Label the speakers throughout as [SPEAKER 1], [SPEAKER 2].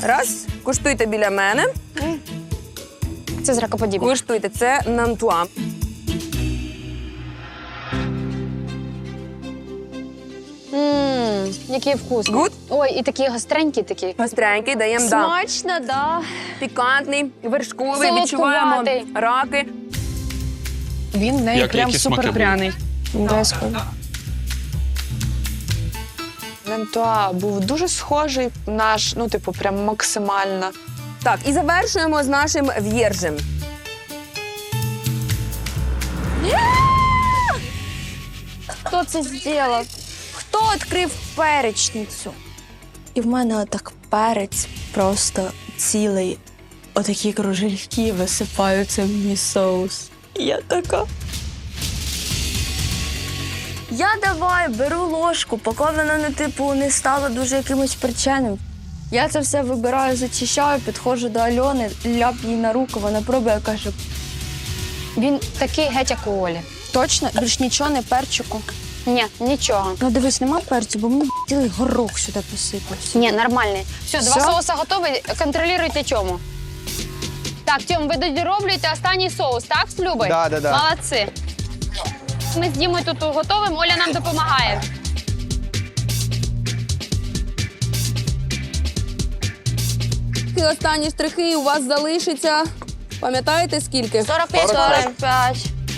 [SPEAKER 1] Раз. Куштуйте біля мене.
[SPEAKER 2] Це зракоподібне.
[SPEAKER 1] Куштуйте. Це нантуа.
[SPEAKER 2] Який вкус.
[SPEAKER 1] Гуд?
[SPEAKER 2] Ой, і такі гостренькі такі.
[SPEAKER 1] Гостренький, даємо, да.
[SPEAKER 2] Смачно, да.
[SPEAKER 1] Пікантний, вершковий,
[SPEAKER 2] Солодкуватий.
[SPEAKER 1] відчуваємо раки.
[SPEAKER 3] Він в неї
[SPEAKER 4] Як-
[SPEAKER 3] прям
[SPEAKER 4] які смаки
[SPEAKER 3] супер пряний. Нантуа був дуже схожий наш, ну, типу, прям максимально.
[SPEAKER 1] Так, і завершуємо з нашим в'єржем.
[SPEAKER 2] Хто це зробив? Хто відкрив перечницю?
[SPEAKER 5] І в мене отак перець просто цілий. Отакі кружельки висипаються в мій соус. І я така. Я давай беру ложку, поки воно не стало дуже якимось причинним. Я це все вибираю, зачищаю, підходжу до Альони, ляп їй на руку, вона пробує, каже,
[SPEAKER 2] Він такий геть, як у Олі.
[SPEAKER 5] точно, більш нічого, не перчику.
[SPEAKER 2] Ні, нічого.
[SPEAKER 5] Ну дивись, нема перцю, бо мені цілий горох сюди посипався.
[SPEAKER 2] Ні, нормальний. Все, два
[SPEAKER 5] Всё?
[SPEAKER 2] соуси готові. Контролюйте Тьому. Так, Тьом, ви дороблюєте останній соус, так, з Любою?
[SPEAKER 6] Да.
[SPEAKER 2] Молодці. Ми з Дімою тут готовимо, Оля нам допомагає.
[SPEAKER 1] І останні штрихи у вас залишиться. Пам'ятаєте скільки?
[SPEAKER 2] 45.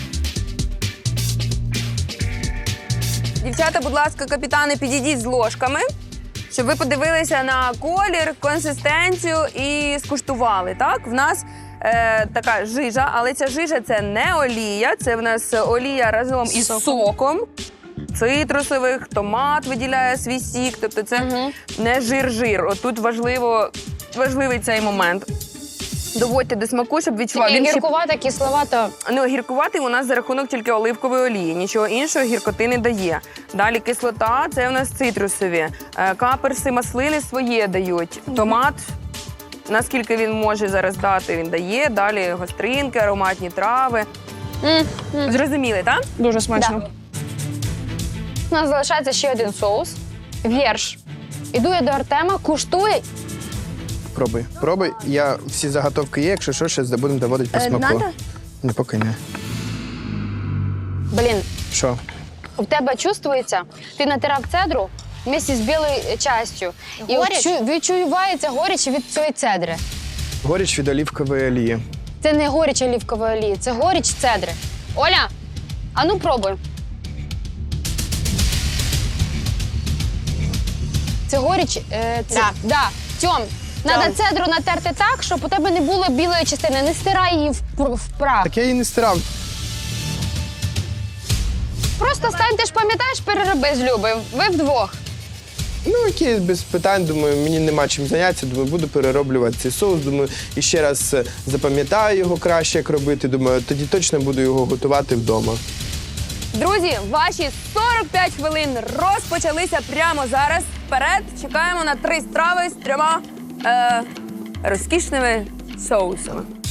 [SPEAKER 1] Дівчата, будь ласка, капітани, підійдіть з ложками, щоб ви подивилися на колір, консистенцію і скуштували. Так, в нас така жижа, але ця жижа – це не олія, це в нас олія разом із соком. Цитрусових, томат виділяє свій сік, тобто це не жир-жир. Отут важливий цей момент. Доводьте до смаку, щоб відчував.
[SPEAKER 2] Такий
[SPEAKER 1] Він ще-
[SPEAKER 2] гіркувато, кисловато.
[SPEAKER 1] Ну, гіркуватий у нас за рахунок тільки оливкової олії. Нічого іншого гіркоти не дає. Далі кислота – це у нас цитрусові. Каперси, маслини своє дають. Томат, наскільки він може зараз дати, він дає. Далі гостринки, ароматні трави. Зрозуміли, так?
[SPEAKER 3] Дуже смачно.
[SPEAKER 2] У нас залишається ще один соус. Вірш. Іду я до Артема, куштує.
[SPEAKER 6] Пробуй. Я всі заготовки є, якщо що, ще будемо доводити по смаку.
[SPEAKER 5] Надо?
[SPEAKER 6] Не, поки не.
[SPEAKER 2] Блін,
[SPEAKER 6] Що?
[SPEAKER 2] у тебе чувствується, ти натирав цедру вместе з білою частю. І от відчувається горіч від цієї цедри.
[SPEAKER 6] Горіч від олівкової олії.
[SPEAKER 2] Це не горіч олівкової олії, це горіч цедри. Оля, а ну пробуй. Це горіч. Да. Тьом, треба цедру натерти так, щоб у тебе не було білої частини. Не стирай її в прах.
[SPEAKER 6] Так я її не стирав.
[SPEAKER 2] Просто стань, ти ж пам'ятаєш, перероби з Любою. Ви вдвох.
[SPEAKER 6] Ну, окей, без питань, думаю, мені нема чим зайнятися, думаю, буду перероблювати цей соус, думаю, і ще раз запам'ятаю його краще, як робити, думаю, тоді точно буду його готувати вдома.
[SPEAKER 1] Друзі, ваші 45 хвилин розпочалися прямо зараз. Вперед чекаємо на 3 страви з 3 розкішними соусами.